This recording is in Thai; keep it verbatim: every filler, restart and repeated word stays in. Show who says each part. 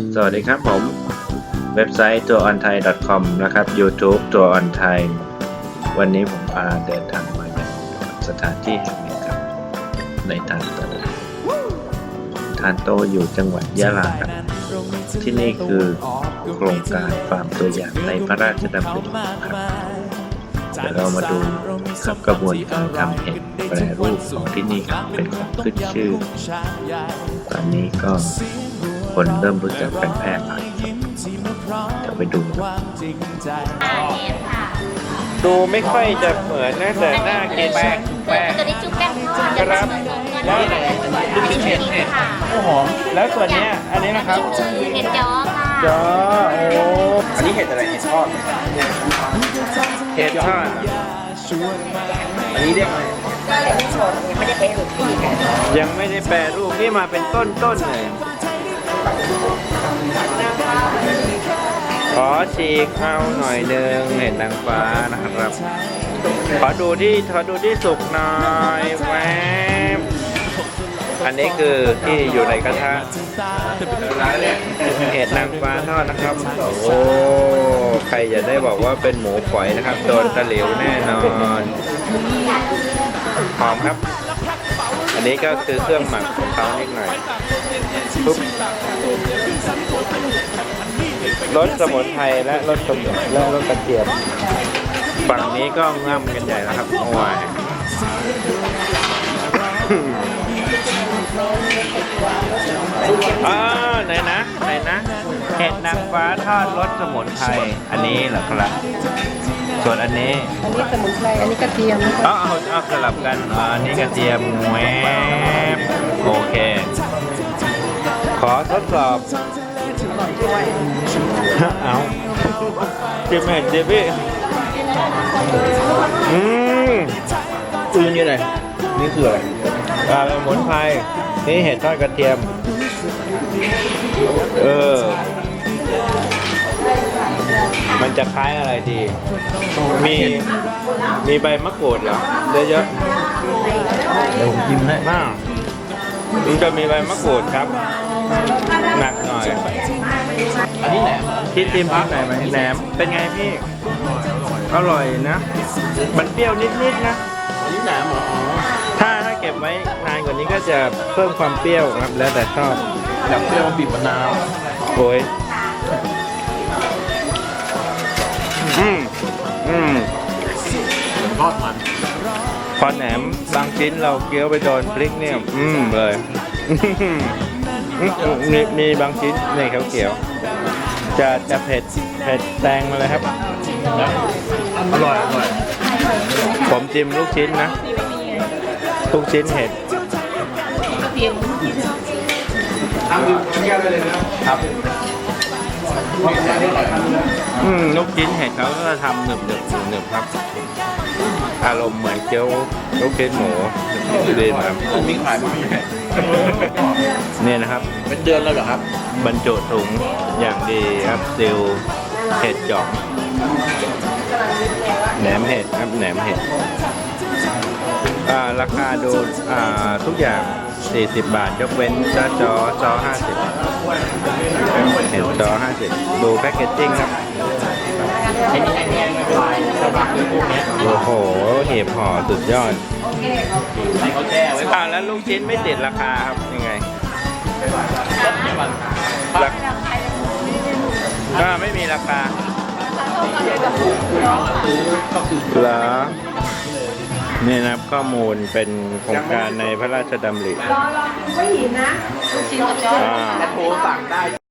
Speaker 1: สวัสดีครับผมเว็บไซต์ ตัว ออน ไทย ดอท คอม นะครับ YouTube ตัว on thai วันนี้ผมพาเดินทางมาอย่างสถานที่แห่งหนึ่งครับในทานโตทานโตอยู่จังหวัดยะลาครับที่นี่คือโครงการฟาร์มตัวอย่างในพระราชดำริครับเดี๋ยวเรามาดูครับกระบวนการทำเห็ดแปรรูปของที่นี่ครับเป็นของขึ้นชื่อตอนนี้ก็คนเริ่มรู้จักกันแพร่หลายเดี๋ยวไปดูดูไม่ค่อยจะเหมือนนะแต่หน้ากินแป้งแป้ง
Speaker 2: ตัวนี้จุ๊บแป้งทอด
Speaker 1: ครับแล้วอะไรลูกชิ้นเห็ดเห็ดโอ้หอมแล้วส่วนนี้อันนี้นะครับ
Speaker 2: เห็ดจ้อค่ะ
Speaker 1: จ้อโอ้อันนี้เห็ดอะไรเห็ดทอดเห็ดทอดอันนี้เรียกอะไร
Speaker 2: ไม่ได้เป็นรูป
Speaker 1: ยังไม่ได้แปรรูปนี่มาเป็นต้นต้นเลยขอฉีกเอาหน่อยหนึ่งเห็ดนางฟ้านะครับขอดูที่ขอดูที่สุกหน่อยแวบอันนี้คือที่อยู่ในกระทะเห็ดนางฟ้าทอดนะครับโอ้ใครจะได้บอกว่าเป็นหมูฝอยนะครับโดนตะหลิวแน่นอนหอมครับอันนี้ก็คือเครื่องหมักของเขานิดหน่อยปุ๊บรสสมุนไพรและรสสมุนและรสกระเทียมฝั่งนี้ก็ง่ำกันใหญ่แล้วครับโอ้ยอ่าไหนนะไหนนะเห็ดนางฟ้าทอดรสสมุนไพรอันนี้เหรอครับส่วนอันนี้
Speaker 3: อันนี้สมุนไพรอันนี้กระเทียม
Speaker 1: อ๋อเอาเอาสลับกันอันนี้กระเทียมแหวบโอเคขอทดสอบเอาเจ็บไหมเจ็บพี่อืม
Speaker 4: คือนี่อะไรนี่คืออะไร
Speaker 1: ปลาสมุนไพรนี่เห็ดทอดกระเทียมเออมันจะคล้ายอะไรดีมีมีใบมะกรูดเหรอเยอะ
Speaker 4: ๆเดี๋ยวผมกินให้
Speaker 1: มากมันจะมีใบมะกรูดครับหนักหน่อย
Speaker 4: อันนี้แหนม
Speaker 1: คิดจิ้มพริกหน่อยไหมแหนมเป็นไงพี่อร่อยนะมันเปรี้ยวนิดๆนะ
Speaker 4: อันนี้แหนมเหรอ
Speaker 1: ถ้าถ้าเก็บไว้นานกว่านี้ก็จะเพิ่มความเปรี้ยวครับแล้วแต่ชอบ
Speaker 4: อยากเปรี้ยวบีบมะนาว
Speaker 1: โอ้ยอืมอืม
Speaker 4: ทอดมัน
Speaker 1: พอแหนมบางชิ้นเราเคี้ยวไปโดนพริกเนี่ยอืมเลยมีมีบางชิ้นในเขียวๆจะจะเผ็ดเผ็ดแซงมาเลยครับ
Speaker 4: อร่อยอร่อย
Speaker 1: ผมจิ้มลูกชิ้นนะลูกชิ้นเห็ด
Speaker 4: ทำดูแก้วได้เลยนะครับ
Speaker 1: อืมลูกชิ้นเห็ดเขาก็จะทำหนึบหนึบหนึบครับอารมณ์เหมือนเกี๊ยวลูกชิ้นหมูดีนะครับ
Speaker 4: มีขายไหม
Speaker 1: นี่นะครับ
Speaker 4: เป็นเดือนแล้วเหรอครับ
Speaker 1: บรรจุถุงอย่างดีครับซิลเห็ดจ่องแหนมเห็ดครับแหนมเห็ดราคาดูทุกอย่างสี่สิบบาทยกเว้นจอจอจอห้าสิบเห็ดจอห้าสิบดูแพ็กเกจจิ้งครับโอ้โหเห็บห่อสุดยอดอ่าแล้วลูกชิ้นไม่ติดราคาครับยังไงก็ไม่มีราคาเหรอนี่นะครับข้อมูลเป็นโครงการในพระราชดำริ
Speaker 3: รอรอไม่หินนะลูกชิ้นกับจอ
Speaker 4: โทรสั่งได้